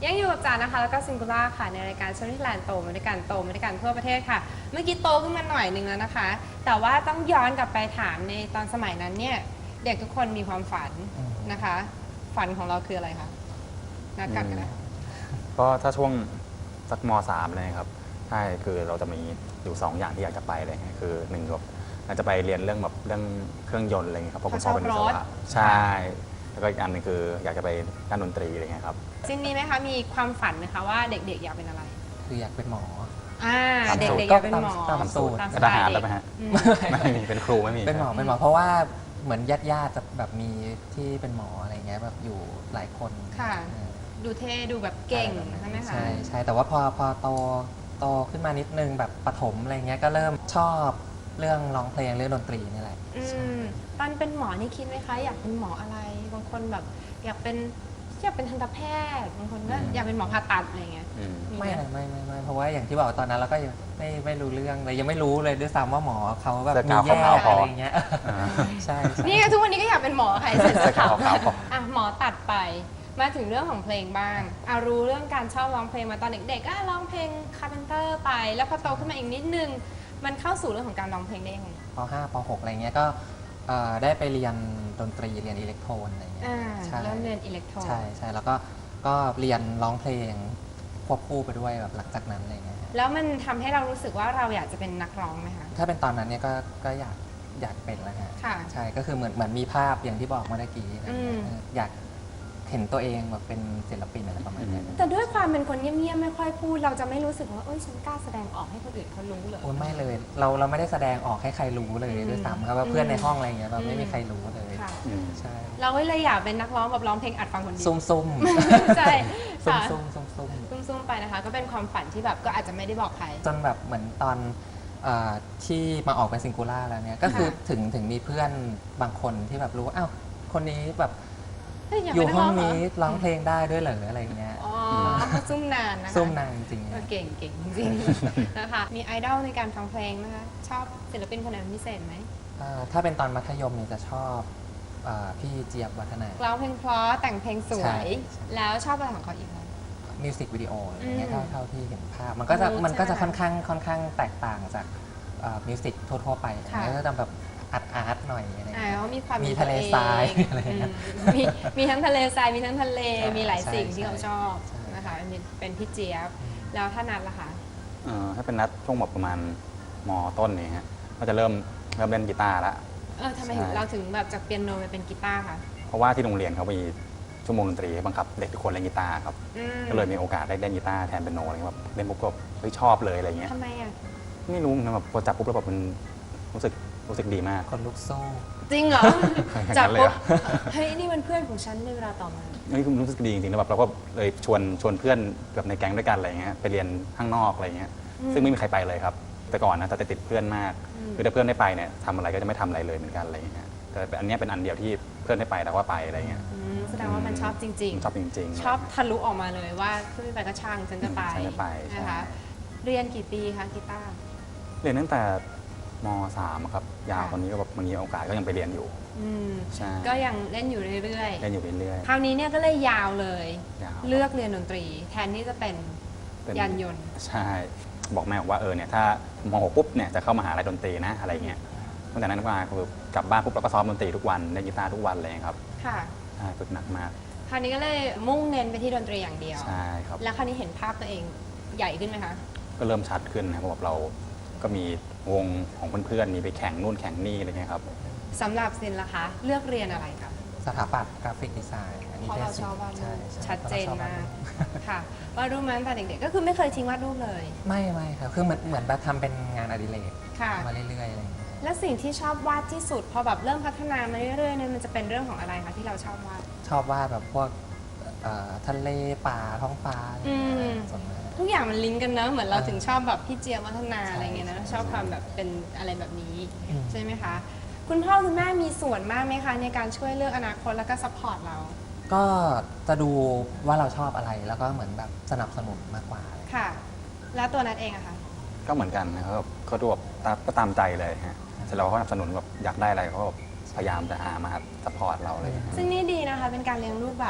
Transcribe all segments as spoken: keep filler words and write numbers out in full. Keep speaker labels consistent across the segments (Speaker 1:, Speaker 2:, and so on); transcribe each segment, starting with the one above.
Speaker 1: ยังอยู่กับจานะคะแล้วก็ซิงคูล่าค่ะในรายการชวนที่แลนด์โตมาด้วยกันโตมาด้วยกันทั่วประเทศค่ะเมื่อกี้โตขึ้นมาหน่อยหนึ่งแล้วนะคะแต่ว่าต้องย้อนกลับไปถามในตอนสมัยนั้นเนี่ยเด็กทุกคนมีความฝันนะคะฝันของเราคืออะไรคะนัดกันกันนะ
Speaker 2: ก็ถ้าช่วงสักมสามเลยครับใช่คือเราจะมีอยู่สองอย่างที่อยากจะไปเลยคือหนึ่งแบบเราจะไปเรียนเรื่องแบบเรื่องเครื่องยนต์อะไรเงี้ยครับเพราะคุณพ่อเป็นวิศวะใช่แล้วก็อีกอันนึงคืออยากจะไปด้านดนตรีอะไรเงี้ยครับ
Speaker 1: ซินนี้ไหมคะมีความฝันไหมคะว่าเด็กๆอยากเป็นอะไร
Speaker 3: คืออยากเป็นหมอ
Speaker 1: อ่าเด็กๆอยากเป็นหมอ
Speaker 3: ตามสูตร
Speaker 1: ตามส
Speaker 2: ท
Speaker 1: ไตล์
Speaker 2: หาร
Speaker 1: เด็
Speaker 2: แล้ว
Speaker 1: ก
Speaker 2: ไหมฮะ
Speaker 1: อืม
Speaker 2: ไม่มีเป็นครูไม่มี
Speaker 3: เป็นหมอเป็นหมอเพราะว่าเหมือนญาติญาติจะแบบมีที่เป็นหมออะไรเงี้ยแบบอยู่หลายคน
Speaker 1: ค่ะ
Speaker 3: เออ
Speaker 1: ดูเท่ดูแบบเก่งใช่ไหมคะ
Speaker 3: ใช่ใช่แต่ว่าพอพอโตโตขึ้นมานิดนึงแบบประถมอะไรเงี้ยก็เริ่มชอบเรื่องร้องเพลงเรื่องดนตรีนี่แหละ
Speaker 1: อื
Speaker 3: ใช่
Speaker 1: มตอนเป็นหมอนี่คิดไหมคะอยากเป็นหมออะไรบางคนแบบอยากเป็นอยากเป็นทันตแพทย์บางคนก็อยากเป็นหมอผ่าตัดอะไรเงี้ย
Speaker 2: อืม
Speaker 1: มี
Speaker 3: ไม่
Speaker 1: ไหม
Speaker 3: นะไม่ไม่ไม่เพราะว่าอย่างที่บอกตอนนั้นเราก็ยังไม่ไม่รู้เรื่องเลยยังไม่รู้เลยด้วยซ้ำว่าหมอเขาแบบ
Speaker 2: เสื้อ
Speaker 3: มี
Speaker 2: กาว
Speaker 3: แยก
Speaker 2: ขาวๆพออ
Speaker 3: อะไรเงี้ย
Speaker 2: อ่า
Speaker 3: ใช่ใช่
Speaker 1: นี่ก็ทุกวันนี้ก็อยากเป็นหมอใครเสร็จ
Speaker 2: เสื้อ
Speaker 1: ข่าว
Speaker 2: ขาวๆพอ
Speaker 1: อ่ะหมอตัดไปมาถึงเรื่องของเพลงบ้างอารู้เรื่องการชอบร้องเพลงมาตอนเด็กๆก็ร้องเพลงคาร์เพนเตอร์ไป แล้วพอโตขึ้นมาอีกนิดนึงมันเข้าสู่เรื่องของการร้องเพลงได้ยังไง
Speaker 3: ป .ห้า ป .หก อะไรเงี้ยก็เอ่อได้ไปเรียนดนตรีเรียนอิเล็กโทรนอะไรเงี้ย
Speaker 1: อ่า
Speaker 3: ใช่
Speaker 1: เริ่มเรียนอิเล็กโทรน
Speaker 3: ใช่ใช่แล้วก็ก็เรียนร้องเพลงควบคู่ไปด้วยแบบหลังจากนั้นอะไรเงี้ย
Speaker 1: แล้วมันทำให้เรารู้สึกว่าเราอยากจะเป็นนักร้องไหมคะ
Speaker 3: ถ้าเป็นตอนนั้นเนี่ยก็ก็อยากอยากเป็นแล้วฮะ
Speaker 1: ค่ะ
Speaker 3: ใช่ก็คือเหมือนเหมือนมีภาพอย่างที่บอกเมื่อกี้อะไรเงี้ย
Speaker 1: อืม
Speaker 3: เอออยากเห็นตัวเองแบบเป็นศิลปินอะไรประมาณเนี้ย
Speaker 1: แต่ด้วยความเป็นคนเงียบๆไม่ค่อยพูดเราจะไม่รู้สึกว่าเอ้ยฉันกล้าแสดงออกให้คนอื่นเขารู้เลย
Speaker 3: โอ้ยไม่เลยเราเราไม่ได้แสดงออกให้ใครรู้เลย
Speaker 1: อืม
Speaker 3: ด้วยซ้ำครับว่าเพื่อนในห้องอะไรเงี้ยแบบ
Speaker 1: อืม
Speaker 3: ไม่มีใครรู้เลย
Speaker 1: ค่ะ
Speaker 2: อืม
Speaker 3: ใช่
Speaker 1: เราก็เลยอยากเป็นนักร้องแบบร้องเพลงอัดฟังคนเดียว
Speaker 3: ซุ่มซุ่ม
Speaker 1: ใช่
Speaker 3: ซุ่ม
Speaker 1: ค่ะ
Speaker 3: ซุ่มซุ่มซุ่ม
Speaker 1: ซุ่มๆไปนะคะ ก็เป็นความฝันที่แบบก็อาจจะไม่ได้บอกใคร
Speaker 3: จนแบบเหมือนตอนเออที่มาออกเป็นซิงคูล่าแล้วเนี่ยก็คือ
Speaker 1: ค่ะ
Speaker 3: ถึงถึงมีเพื่อนบางคนที่แบบรู้ว่าอ้าวคนนี้แบบ
Speaker 1: เฮ้ยาก
Speaker 3: อ
Speaker 1: เป็
Speaker 3: ยู่
Speaker 1: นัก
Speaker 3: ห้อง
Speaker 1: เหร
Speaker 3: นี้ร้องเพลงได้ด้วยเหรออะไรเงี้ย
Speaker 1: อ๋อเขาซุ่มนานนะคะ
Speaker 3: ซุ่มนางจริงๆ
Speaker 1: เออ
Speaker 3: นะ
Speaker 1: เก่งเก่งจริงๆนะคะ มีไอดอลในการฟังเพลงนะคะ ชอบศิลปินคนไหนเป็นพิเศษไหม
Speaker 3: เอ่อถ้าเป็นตอนมัธยมเนี่ยจะชอบเอ่อพี่เจี๊ยบวัฒนา
Speaker 1: ร้องเพลงเพราะแต่งเพลงสว
Speaker 3: ใช่
Speaker 1: ย แล้วชอบอะไรของเขาอีกไหม
Speaker 3: มิวสิกวิดีโออะไรเงี้ย
Speaker 1: อืม
Speaker 3: เท่าเท่าที่เห็นภาพ มันก็จะ
Speaker 1: มูด
Speaker 3: มันก็
Speaker 1: ใช่
Speaker 3: จะ
Speaker 1: ไหม
Speaker 3: ค่อนข้างค่อนข้างแตกต่างจากมิวสิกทั่วๆไป
Speaker 1: ค่ะ
Speaker 3: แล้วก็จะแบบอาร์ตอาร์ตหน่อยอะไร
Speaker 1: อ่า
Speaker 3: เงี้ย
Speaker 1: เขามีความ
Speaker 3: มีทะเลทราย
Speaker 1: ตัวเอง
Speaker 3: อะไรเงี้ย
Speaker 1: อืมมีมีทั้งทะเลทรายมีทั้งทะเล
Speaker 3: ใช่
Speaker 1: มีหลายสิ่ง
Speaker 3: ใช่
Speaker 1: ที่เขาชอบ
Speaker 3: ใช่
Speaker 1: นะคะเป็นเป็นพี่เจี๊ยบแล้วถ้านัดล่ะคะ
Speaker 2: เอ่อถ้าเป็นนัดช่วงแบบประมาณมต้นเนี่ยฮะก็จะเริ่มเริ่มเล่นกีตาร์แล้ว
Speaker 1: เออทำไม
Speaker 2: ใช่
Speaker 1: เราถึงแบบจากเปียโนไปเป็นกีตาร์คะ
Speaker 2: เพราะว่าที่โรงเรียนเขามีชั่วโมงดนตรีให้บังคับเด็กทุกคนเล่นกีตาร์ครับ
Speaker 1: อืม
Speaker 2: ก็เลยมีโอกาสได้เล่นกีตาร์แทนเปียโนอะไรเงี้ยแบบเล่นปุ๊บก็เฮ้ยชอบเลยอะไรเงี้ย
Speaker 1: ทำไมอ่ะ
Speaker 2: ไม่รู้นะแบบพอจับปุ๊บแล้วแบบมันรู้สึกรู้สึกดีมาก
Speaker 3: คนลุกสู้
Speaker 1: จริงเหรอ
Speaker 2: อย่างนั้น
Speaker 1: จาก
Speaker 2: เลย
Speaker 1: ปุ๊บ
Speaker 2: เหรอ
Speaker 1: เฮ้ยนี่มันเพื่อนของฉันในเวลาต่อมา
Speaker 2: นี่คือรู้สึกดีจริงๆแล้วแบบเราก็เลยชวนชวนเพื่อนแบบในแก๊งด้วยกันอะไรเงี้ยไปเรียนข้างนอกอะไรเงี้ย
Speaker 1: อืม
Speaker 2: ซึ่งไม่มีใครไปเลยครับ แต่ก่อนนะแต่ติดเพื่อนมาก
Speaker 1: อืม
Speaker 2: คือถ้าเพื่อนได้ไปเนี่ยทำอะไรก็จะไม่ทำอะไรเลยเหมือนกันอะไรเงี้ยแต่อันเนี้ยเป็นอันเดียวที่เพื่อนได้ไปแต่ว่าไปอะไรเงี้ย
Speaker 1: อืมแสดงว่ามันชอบจริง
Speaker 2: ชอบจริง
Speaker 1: ๆ
Speaker 2: ๆ
Speaker 1: ชอบทะลุออกมาเลยว่าเพื่อนไม่ไปก็ช่างฉันจะไป
Speaker 2: ฉันจะไปใช่
Speaker 1: นะคะ เรียนกี่ปีคะกีตาร์
Speaker 2: เรียนตั้งแต่มสามครับยาว
Speaker 1: ค่ะ
Speaker 2: ตอนนี้ก็แบบมันมีโอกาสก็ยังไปเรียนอยู่
Speaker 1: อืม
Speaker 2: ใช่
Speaker 1: ก็ยังเล่นอยู่เรื่อย
Speaker 2: เล่นอยู่เรื่อย
Speaker 1: ๆ คราวนี้เนี่ยก็เลยยาวเลย
Speaker 2: ๆยาว
Speaker 1: เลือกเรียนดนตรี แทนที่จะเป็น
Speaker 2: เป็น
Speaker 1: ยานยนต์
Speaker 2: ใช่บอกแม่บอกว่าเออเนี่ยถ้ามหกปุ๊บเนี่ยจะเข้ามหาลัยดนตรีนะอะไรเงี้ยตั้งแต่นั้นมาคือกลับบ้านปุ๊บเราก็ซ้อมดนตรีทุกวันเล่นกีตาร์ทุกวันเลยครับ
Speaker 1: ค่ะ
Speaker 2: ใช่ฝึกหนักมาก
Speaker 1: คราวนี้ก็เลยมุ่งเน้นไปที่ดนตรีอย่างเดียว
Speaker 2: ใช่ครับ
Speaker 1: แล้วคราวนี้เห็นภาพตัวเองใหญ่ขึ้นไหมคะ
Speaker 2: ก็เริ่มชัดขึ้นนะครับเพราะแบบเราก็มีวงของเพื่อนๆมีไปแข่งนู่นแข่งนี่อะไรเงี้ยครับ
Speaker 1: สำหรับซินล่ะคะ เลือกเรียนอะไรคะ
Speaker 3: สถาปัตย์กราฟิกดีไซน์อันนี้
Speaker 1: เพราะเรา
Speaker 3: แค่
Speaker 1: ชอบวาดรู
Speaker 3: ใช่
Speaker 1: ป
Speaker 3: ใช่
Speaker 1: ชัดเจน
Speaker 3: พระรชอบว
Speaker 1: มาก
Speaker 3: ดรูป
Speaker 1: ค่ะวาดรูปมาตั้งแต่เด็กๆ ก็คือไม่เคยทิ้งวาดรูปเลย
Speaker 3: ไม่ไม่ครับคือเหมือนเหมือนแบบทำเป็นงานอดิเรก
Speaker 1: ค่ะ
Speaker 3: มาเรื่อยๆอะไรอย่างเงี้ย
Speaker 1: และสิ่งที่ชอบวาดที่สุด พอแบบเริ่มพัฒนามาเรื่อยๆเนี่ยมันจะเป็นเรื่องของอะไรคะที่เราชอบวาด
Speaker 3: ชอบวาดแบบพวกเอ่อทะเลป่าท้องฟ้าอะไรอย่างเงี้ย
Speaker 1: อืม
Speaker 3: ส่วนมาก
Speaker 1: ทุกอย่างมันลิงก์กันเนอะเหมือนเรา
Speaker 3: เออ
Speaker 1: ถึงชอบแบบพี่เจียมวัฒนา
Speaker 3: ใช่
Speaker 1: อะไรเงี้ยนะ
Speaker 3: ใช่
Speaker 1: ชอบความแบบเป็นอะไรแบบนี้
Speaker 3: อืม
Speaker 1: ใช่ไหมคะ คุณพ่อคุณแม่มีส่วนมากไหมคะในการช่วยเลือกอนาคตแล้วก็ซัพพอร์ตเรา
Speaker 3: ก็จะดูว่าเราชอบอะไรแล้วก็เหมือนแบบสนับสนุนมากกว่า
Speaker 1: ค่ะ แล้วตัวนัทเองอะคะ
Speaker 2: ก็เหมือนกันนะครับเขาดูแบบตามก็ตามใจเลยฮะเสร็จแล้วเขาก็สนับสนุนแบบอยากได้อะไรเขาก็แบบพยายามจะหามาซัพพอร์ตเราเลย
Speaker 1: ซึ่งนี่ดีนะคะเป็นการเลี้ยงลูกแบบ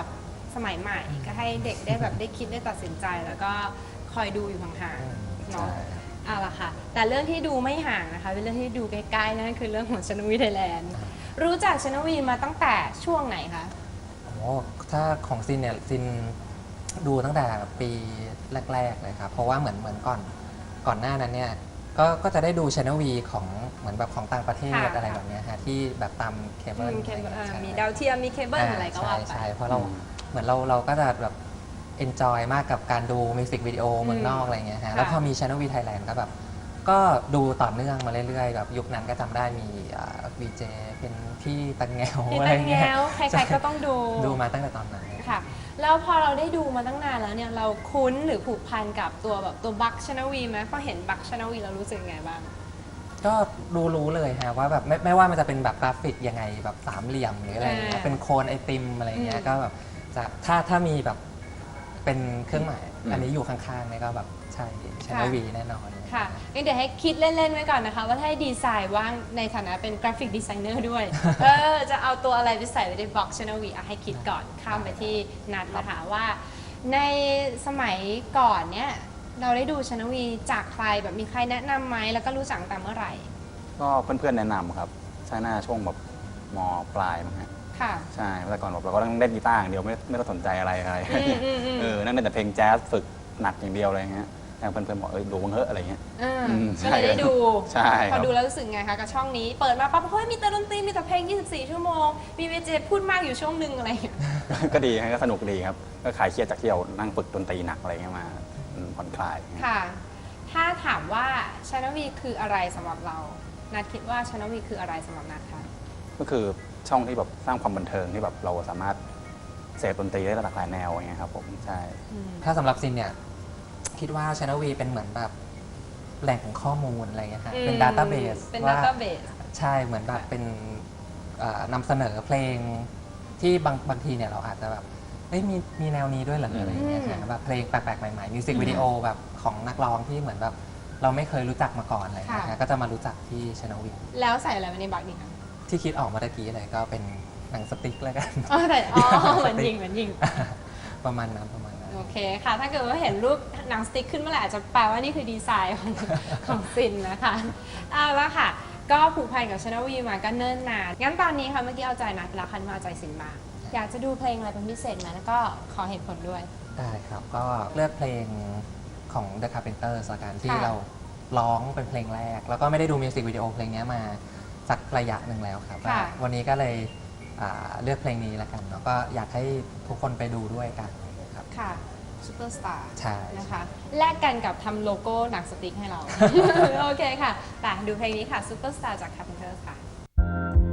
Speaker 1: สมัยใหม่ก็ให้เด็กได้แบบได้คิดได้ตัดสินใจ แล้วก็คอยดูอยู่ห่างๆเนาะ
Speaker 3: ใช่
Speaker 1: เอาละค่ะแต่เรื่องที่ดูไม่ห่างนะคะเป็นเรื่องที่ดูใกล้ๆนั่นคือเรื่องของชนวีไทยแลนด์รู้จักชนวีมาตั้งแต่ช่วงไหนคะ
Speaker 3: โอ้ถ้าของซินเนี่ยซินดูตั้งแต่ปีแรกๆเลยครับเพราะว่าเหมือนเหมือนก่อนก่อนหน้านั้นเนี่ยก็ก็จะได้ดูช anel V ของเหมือนแบบของต่างประเทศ
Speaker 1: ค่ะ
Speaker 3: อะไรแบบเนี้ยฮะที่แบบตามเคเบิล
Speaker 1: มีเคเบิล
Speaker 3: อะไร
Speaker 1: อ่า
Speaker 3: เงี้ย
Speaker 1: มี
Speaker 3: ใช่
Speaker 1: ดาวเทียมมีเคเบิลอะไรก็ว่า
Speaker 3: ใช่
Speaker 1: ไป
Speaker 3: ใช่เพราะเรา
Speaker 2: อืม
Speaker 3: เหมือนเราเราก็จะแบบ enjoy มากกับการดูมิวสิกวิดีโอเมืองนอกอะไรเงี้ยฮะแล้วพอมี channel V Thailand ก็แบบก็ดูต่อเนื่องมาเรื่อยๆแบบยุคนั้นก็จำได้มีวีเจเป็นพี่ตังแงว
Speaker 1: พี่
Speaker 3: อะไร
Speaker 1: ตังแง
Speaker 3: เงี้ยว
Speaker 1: ใครๆก็ต้องดู
Speaker 3: ดูมาตั้งแต่ตอนนั้น
Speaker 1: ค่ะแล้วพอเราได้ดูมาตั้งนานแล้วเนี่ยเราคุ้นหรือผูกพันกับตัวแบบตัวบัคชนวีไหมพอเห็นบัคชนวีเรารู้สึกยังไงบ้าง
Speaker 3: ก็รู้รู้เลยฮะว่าแบบไม่ไม่ว่ามันจะเป็นแบบกราฟิกยังไงแบบสามเหลี่ยมหรืออะไรอย่างเงี้ย
Speaker 1: อ่า
Speaker 3: เป็นโคนไอติมอะไรเงี้
Speaker 1: อื
Speaker 3: ย
Speaker 1: ม
Speaker 3: ก็แบบจะถ้าถ้ามีแบบเป็นเครื่องหมาย
Speaker 2: อืม
Speaker 3: อันนี้อยู่ข้างๆเนี่ยก็แบบใช่ใช่วีแน่นอน
Speaker 1: ค่ะงั้นเดี๋ยวให้คิดเล่น ๆ ไว้ก่อนนะคะ ว่าถ้าให้ดีไซน์ว่างในฐานะเป็นกราฟิกดีไซเนอร์ด้วย เออ จะเอาตัวอะไรไปใส่ไว้ในบ็อกช n น l V อ่ะให้คิดก่อนข้ามไปที่นัดนะคะว่า ในสมัยก่อนเนี่ย เราได้ดูช n น l V จากใครแบบมีใครแนะนำไหมแล้วก็รู้จักตั้งแต่เมื่อไหร่
Speaker 2: ก็เพื่อนๆแนะนำครับใช่หน้าช่วงแบบมปลายมั้งฮะ
Speaker 1: ค่ะ
Speaker 2: ใช่แต่ก่อนแบบเราก็ต้องเล่นกีตาร์อย่างเดียวไม่ไม่ต้องสนใจอะไรอะไร
Speaker 1: อืมอืมอืม
Speaker 2: เออนั่นเล่นแต่เพลงแจ๊สฝึกหนักอย่างเดียวอะไรเงี้ยแต่เพื่อนๆบอกเอ้ยดูบ้างเถอะอะไรเงี้ย
Speaker 1: อ่า
Speaker 2: อืม
Speaker 1: ก็เลยได้ดู
Speaker 2: ใช่ค
Speaker 1: พ
Speaker 2: รั
Speaker 1: อบ ดูแล้วรู้สึกไงคะกับช่องนี้ เปิดมาปั๊บเฮ้ยมีแต่ดนตรีมีแต่เพลง ยี่สิบสี่ ชั่วโมง มีเวเจพูดมากอยู่ช่วงหนึ่งอะไรอย่างเงี้ย
Speaker 2: ก็ดีฮะก็สนุกดีครับก็คลายเครียดจากที่เรานั่งฝึกดนตรีหนักอะไรเงี้ยมาอืมผ่อนคลาย
Speaker 1: ค่ะ ถ้าถามว่าช n น l V คืออะไรสำหรับเรา นัดคิดว่าช n น l V คืออะไรสำหรับนัดคะ
Speaker 2: ก็คือช่องที่แบบสร้างความบันเทิงที่แบบเราสามารถเสพดนตรีได้หลากหลายแนวอย่างเงี้ยครับผมใช่
Speaker 3: ถ้าสำหรับซินเนี่ยคิดว่า channel V เป็นเหมือนแบบแหล่งของข้อมูลอะไรเงี้ยฮะเป็น database
Speaker 1: เป็น
Speaker 3: ว่า
Speaker 1: database
Speaker 3: ใช่เหมือนแบบเป็นเอ่อนำเสนอเพลงที่บางบางทีเนี่ยเราอาจจะแบบเอ้ยมีมีแนวนี้ด้วยเหรออะไรเงี้ย
Speaker 1: อืม
Speaker 3: ฮะแบบเพลงแปลกๆ ใหม่ๆมิวสิกวิดีโอแบบของนักร้องที่เหมือนแบบเราไม่เคยรู้จักมาก่อนอะไรเงี้ยฮะก็จะมารู้จักที่ channel V
Speaker 1: แล้วใส่อะไรไว้ในบักดีคะ
Speaker 3: ที่คิดออกมาตะกี้เลยก็เป็นหนังสติ๊กแล้วกัน
Speaker 1: อ๋อแต่อ๋อเหมือนยิงเหมือนยิง
Speaker 3: ประมาณนั้นประมาณนั้น
Speaker 1: โอเคค่ะ ถ้าเกิดว่าเห็นรูปหนังสติ๊กขึ้นเมื่อไหร่อาจจะแปลว่านี่คือดีไซน์ของ ของซินนะคะเอาละค่ะ ก็ผูกพันกับช n น l V มาก็เนิ่นนาน งั้นตอนนี้ค่ะเมื่อกี้เอาใจนัดไปแล้วคันมาเอาใจซินบ้างอยากจะดูเพลงอะไรเป็นพิเศษไหมแล้วก็ขอเหตุผลด้วย
Speaker 3: ได้ครับ ก็เลือกเพลงของ The Carpenters ละกันที่
Speaker 1: ค่ะ
Speaker 3: เราร้องเป็นเพลงแรก แล้วก็ไม่ได้ดูมิวสิกวิดีโอเพลงนี้มาสักระยะหนึ่งแล้วครับ
Speaker 1: ค่ะ
Speaker 3: วันนี้ก็เลยอ่าเลือกเพลงนี้ละกันแล้วก็อยากให้ทุกคนไปดูด้วยกันครับ
Speaker 1: ค่ะซูเปอร์สตาร์
Speaker 3: ใช่
Speaker 1: นะคะแลกกันกับทำโลโก้หนังสติ๊กให้เรา โอเคค่ะแต่ดูเพลงนี้ค่ะซูเปอร์สตาร์จาก Carpenters ค่ะ